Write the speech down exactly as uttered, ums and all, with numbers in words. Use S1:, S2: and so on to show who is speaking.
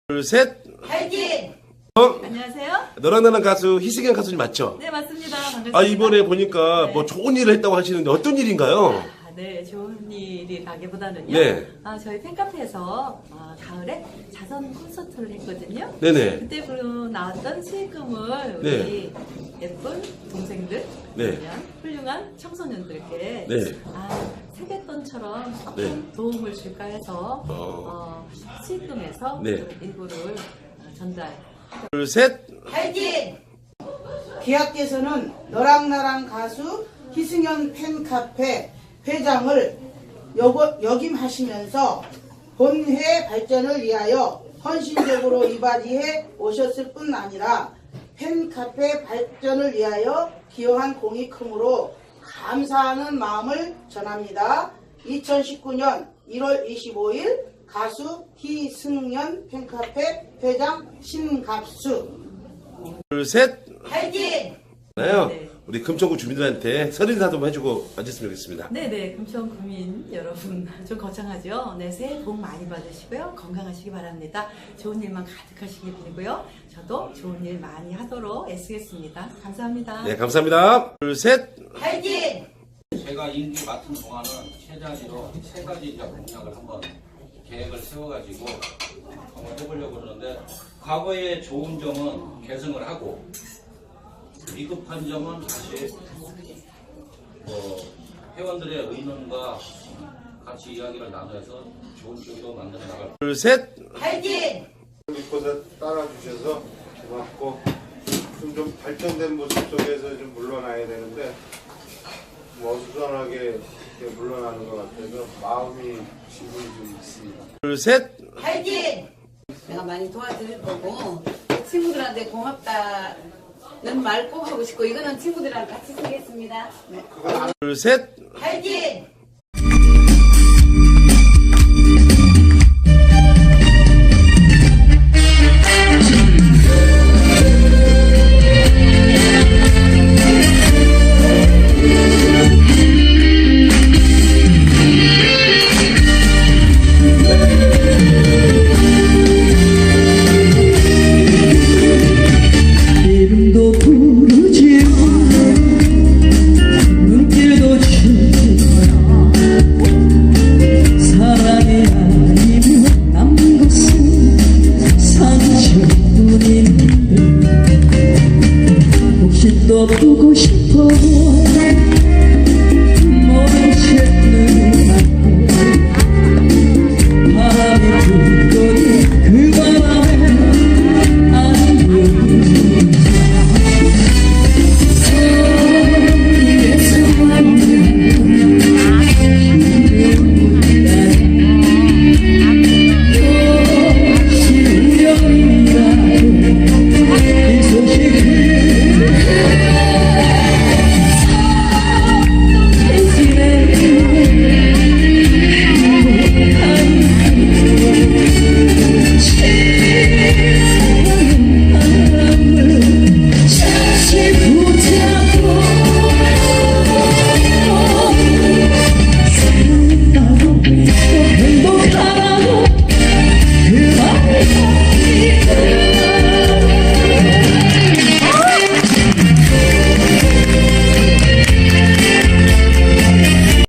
S1: 둘, 셋.
S2: 파이팅!
S1: 어?
S2: 안녕하세요.
S1: 너랑 나랑 가수 희승현 가수님 맞죠?
S2: 네, 맞습니다. 반갑습니다.
S1: 아, 이번에 보니까
S2: 네.
S1: 뭐 좋은 일을 했다고 하시는데 어떤 일인가요?
S2: 아, 네, 좋은 일이라기보다는요.
S1: 네.
S2: 아, 저희 팬카페에서 어, 가을에 자선 콘서트를 했거든요.
S1: 네네.
S2: 그때 그 나왔던 수익금을
S1: 네.
S2: 우리 예쁜 동생들,
S1: 네.
S2: 아니면 훌륭한 청소년들께
S1: 네.
S2: 아, 세뱃돈처럼 조금
S1: 네.
S2: 도움을 줄까 해서
S1: 어.
S2: 어, 수익금에서
S1: 네.
S2: 그 일부를 어, 전달.
S1: 둘, 셋.
S2: 파이팅!
S3: 계약께서는 너랑 나랑 가수 희승현 팬카페 회장을 여, 역임하시면서 본회 발전을 위하여 헌신적으로 이바지해 오셨을 뿐 아니라 팬카페 발전을 위하여 기여한 공이 크므로 감사하는 마음을 전합니다. 이천십구 년 일월 이십오일 가수 희승현 팬카페 회장 신갑수.
S1: 둘, 셋.
S2: 파이팅!
S1: 나요.
S2: 네.
S1: 우리 금천구 주민들한테 설 인사도 한번 해주고 앉았으면 좋겠습니다.
S2: 네네, 금천 구민 여러분 좀 거창하죠? 네, 새해 복 많이 받으시고요. 건강하시기 바랍니다. 좋은 일만 가득하시길 빌고요. 저도 좋은 일 많이 하도록 애쓰겠습니다. 감사합니다.
S1: 네, 감사합니다. 둘, 셋.
S2: 파이팅!
S4: 제가 임기 맡은 동안은 최단위로 세 가지 이제 공약을 한번 계획을 세워가지고 한번 해보려고 그러는데, 과거의 좋은 점은 개선을 하고 미흡한 점은 다시 뭐 회원들의 의논과 같이 이야기를 나눠서 좋은 쪽으로 만들어 나갈.
S1: 둘, 셋.
S2: 파이팅!
S5: 믿고서 따라주셔서 고맙고, 좀, 좀 발전된 모습 속에서 좀 물러나야 되는데 뭐 어수선하게 이렇게 물러나는 것 같아서 마음이 지분이 좀 있습니다.
S1: 둘, 셋.
S2: 파이팅!
S6: 내가 많이 도와드릴 거고, 친구들한테 고맙다는 말 꼭 하고 싶고, 이거는 친구들이랑 같이 쓰겠습니다. 네.
S1: 둘, 셋.
S2: 파이팅!
S7: 이름도 부르지 눈길도 주지 사랑이 아니면 남은 것은 상처뿐인데 혹시 또 보고 싶